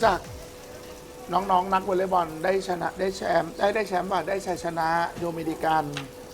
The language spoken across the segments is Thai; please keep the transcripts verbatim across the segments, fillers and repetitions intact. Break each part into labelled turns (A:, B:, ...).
A: จากน้องๆนนักวอลเลย์บอลได้ชนะได้แชมป์ได้ได้แชมป์ว่าได้ชัยชนะโดมินิกัน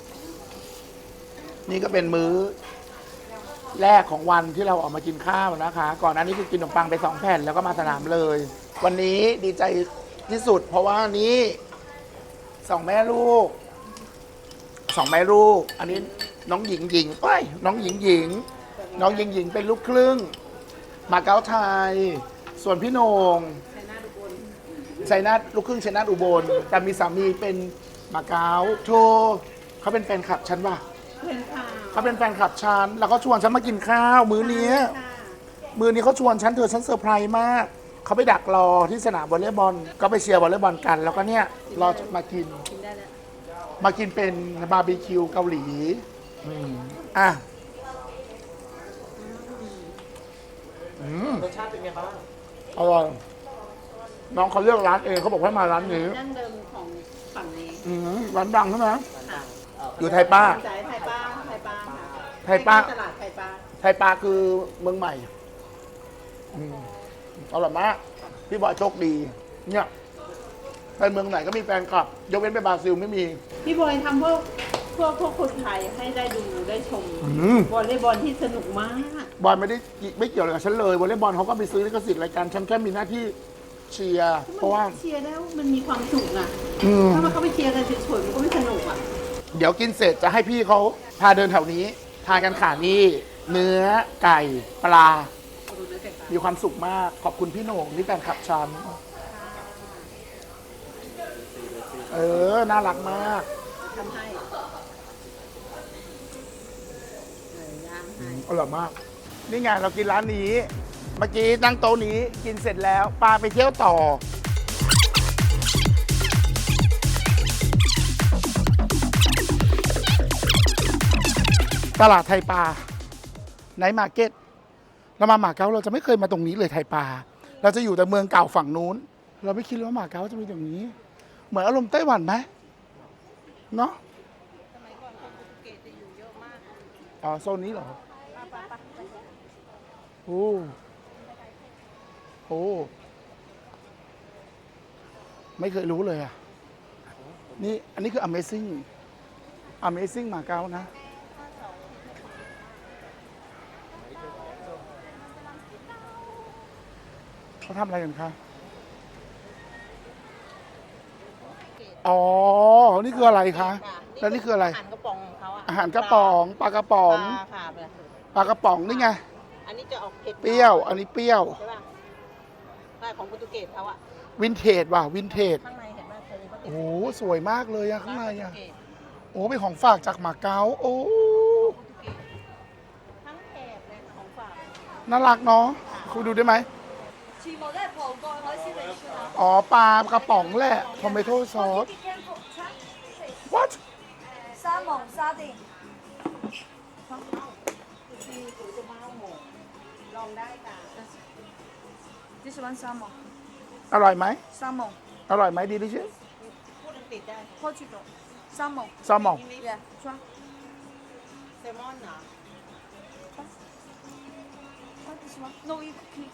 A: นี่ก็เป็นมื้อแรกของวันที่เราออกมากินข้าวนะคะ ก่อนหน้านี้คือกินขนมปังไปสองแผ่นแล้วก็มาสนามเลย วันนี้ดีใจที่สุด เพราะว่านี้สองแม่ลูกสองแม่ลูก อันนี้น้องหญิงหญิงเอ้ยน้องหญิงหญิง น้องหญิงหญิงเป็นลูกครึ่งมาเก๊าไทย ส่วนพี่โหนงชัยนาทลูกครึ่งชัยนาทอุบลแต่มีสามีเป็นมาเก๊าโทเขาเป็นแฟนคลับฉันป่ะเขาเป็นแฟนคลับฉันแล้วก็ชวนฉันมากินข้าวมื้อนี้มื้อนี้เขาชวนฉันเธอฉันเซอร์ไพรส์มากเขาไปดักรอที่สนามวอลเลย์บอลก็ไปเชียร์วอลเลย์บอลกัน แล้วก็เนี่ยรอมากินมากินเป็นบาร์บีคิวเกาหลีอ่ะ
B: รสชาติเป็นไงบ้าง
A: อร่อยน้องเขาเลือกร้านเองเขาบอกให้มาร้านนี้
C: ดั้งเดิมของฝั่งนี้
A: ร้านดังใช่ไหมอยู่ไทยป้า
C: ไทยป้าไทยป้า
A: ไทยป้า
C: ตลาดไทยป้า
A: ไทยป้าคือเมืองใหม่อร่อยมากพี่บอยโชคดีเนี่ยไปเมืองไหนก็มีแฟนคลับยกเว้นไปบราซิลไม่มี
C: พี่บอยทำพวกพวกพวกคนไทยให้ได้ดูได้ชมวอลเลย์บอลที่สนุกมาก
A: บอลไม่ได้ไม่เกี่ยวอะไรกับฉันเลยวอลเลย์บอลเขาก็ไปซื้อลิขสิทธิ์รายการฉันแค่มีหน้าที่เชียร์เพราะว่า
C: เชียร์แล้วมันมีความสุขอ่ะถ้ามันเขาไปเชียร์กันเฉยๆมันก็ไม่สนุกอ่ะ
A: เดี๋ยวกินเสร็จจะให้พี่เขาพาเดินแถวนี้ทานกันขานี่เนื้อไก่ปลามีความสุขมากขอบคุณพี่โหน่งนี่แฟนคลับฉันเออน่ารักมาก
C: ทำให้
A: อร่อยมากนี่ไงเรากินร้านนี้เมื่อกี้นั่งโต๊ะนี้กินเสร็จแล้วปาไปเที่ยวต่อตลาดไทยปลาไนท์มาร์เก็ตเรามาหมาเก๊าเราจะไม่เคยมาตรงนี้เลยไทยปลาเราจะอยู่แต่เมืองเก่าฝั่งนู้นเราไม่คิดว่าหมาเก๊าจะมีตรงนี้เหมือนอารมณ์ไต้หวันไหมเนาะ
C: สมัยก่อนคนโปรตุเกสจะอยู่เยอะมาก
A: อ๋อโซนนี้เหรอโอ้โหไม่เคยรู้เลยอ่ะนี่อันนี้คือ Amazing Amazing หมาเก๊านะเขาทำอะไรกันคะอ๋อนี่คืออะไรคะแล้วนี่คืออะไร
C: อาหารกระป๋องของเขาอะ
A: อาหารกระป๋องปลากระป๋องปลากระป๋องนี่ไง
C: อันนี้จะออกเผ็ด
A: เปรี้ยวอันนี้เปรี้ยว
C: ใช่ป่ะใช่ของโปรตุเกสเขาอะ
A: วินเทจว่ะวินเทจ
C: ข้างในเห็นไหมเธอเขาติด
A: โอ้สวยมากเลยอะข้างในอะโอ้เป็นของฝากจากหมาเก๊าโอ้
C: ทั้งแถบเลยของฝาก
A: น่ารักเนาะคุณดูได้ไหมอ๋อปลากระป๋องแหละทอมเมโต้ซอส what
D: 沙蒙沙丁
C: ลองได้ค่ะ
D: 你喜欢沙蒙
A: อร่อยไหม
D: 沙蒙
A: อร่อยไหม delicious
C: พูดอังกฤษได้
D: Portugal 沙蒙
A: ซามอง
D: yeah try
C: แซลมอนเหรอ
D: what this one no eat please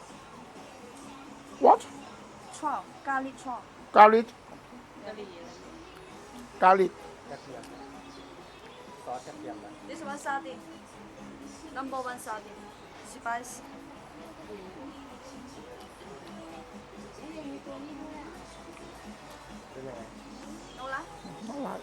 A: what
D: try garlic try
A: garlic
C: กะหรี่อะไร
A: garlic
B: กระเทียมซอสกระเทียมนะ
D: this one sardine number one sardine spicy
B: เป็นยังไง
D: no lah
A: น่ารัก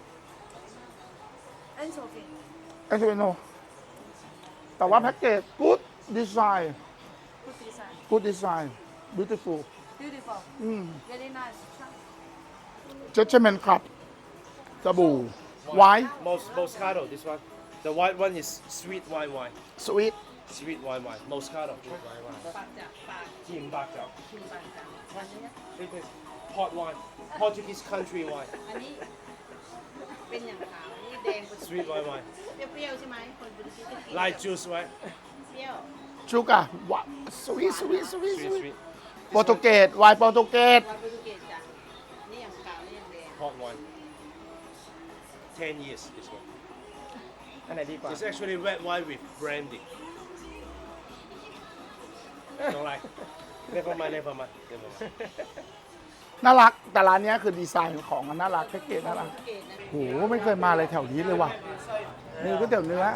D: anchovy
A: ไอซ์เวโนแต่ว่าแพ็กเกจ good design
D: good design
A: good design beautiful
D: beautiful
A: อืม
D: very nice try
A: judgment ครับสบู่ white
B: Mos Moscato this one the white one is sweet white wine
A: sweet
B: sweet white wine Moscato sweet white wine
C: ปากจากปาก
B: กินบากจับ
C: ชิมปากจากอันนี้
B: It is hot wine Portuguese country wine
C: อันนี้เป็นอย่างขาวนี่แดง
B: sweet white wine
C: เปรี้ยวๆใช่ไหมคนโปรตุเกสจะกิน
B: light juice right
C: เปรี้ยว
A: sugar what sweet sweet sweet
B: sweet
A: sweet
B: sweet
A: โปรตุเกสไวน์โปรตุเกส
C: วายโปรตุเกสจ้ะนี่อย่างขาวนี่อย่างแดง
B: hot wine ten years this one
A: อันไหนดีกว่า
B: it's actually red wine with brandy don't like Never mind, never mind, never mind.
A: น่ารักแต่ร้านเนี้ยคือดีไซน์ของมันน่ารักแพ็กเกจน่ารักโหไม่เคยมาเลยแถวนี้เลยว่ะนี่ก๋วยเตี๋ยวเนื้อ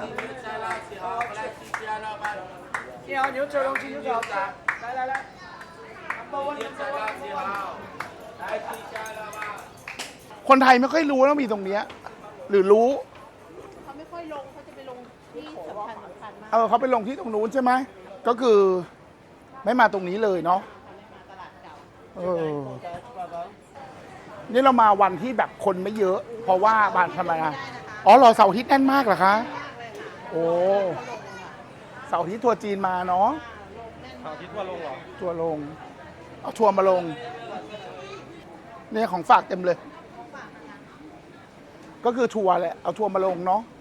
B: 你好，牛肘龙鸡牛肘，来来来，number one number one number one。
A: คนไทยไม่ค่อยรู้ว่ามีตรงเนี้ยหรือรู้
C: เขาไม่ค่อยลงเขาจะไปลงที่สำคัญสำคัญมาก
A: เออเขาไปลงที่ตรงนู้นใช่ไหมก็คือไม่มาตรงนี้เลยเนาะเออนี่เรามาวันที่แบบคนไม่เยอะ เพราะว่าบ้านทำไมอ่ะอ๋อเหรอเสาร์อาทิตย์แน่นมากเหรอคะโอ้เสาร์อาทิตย์ทัวร์จีนมาเนาะ
B: 好，คิดว่าลงเหรอ
A: ทัวร์ลงเอาทัวร์มาลงเนี่ยของฝากเต็มเลย ก็คือทัวร์แหละเอาทัวร์มาลงเนาะ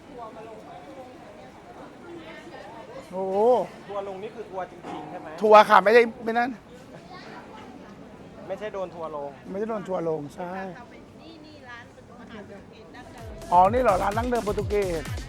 A: โอ้
B: ทัวร์ลงนี่คือทัวร์จริงๆใช่ไหม
A: ทัวร์ค่ะไม่ได้ไม่นั่น
B: ไม่ใช่โดนทัวร์ลง
A: ไม่ได้โดนทัวร์ลงใช่
C: นี่นี่ร้านเป็นอาหารเดิมกินดั้งเดิม
A: อ๋อ นี่เหรอ ร้านนั่งเดิมโปรตุเกส
C: ใช่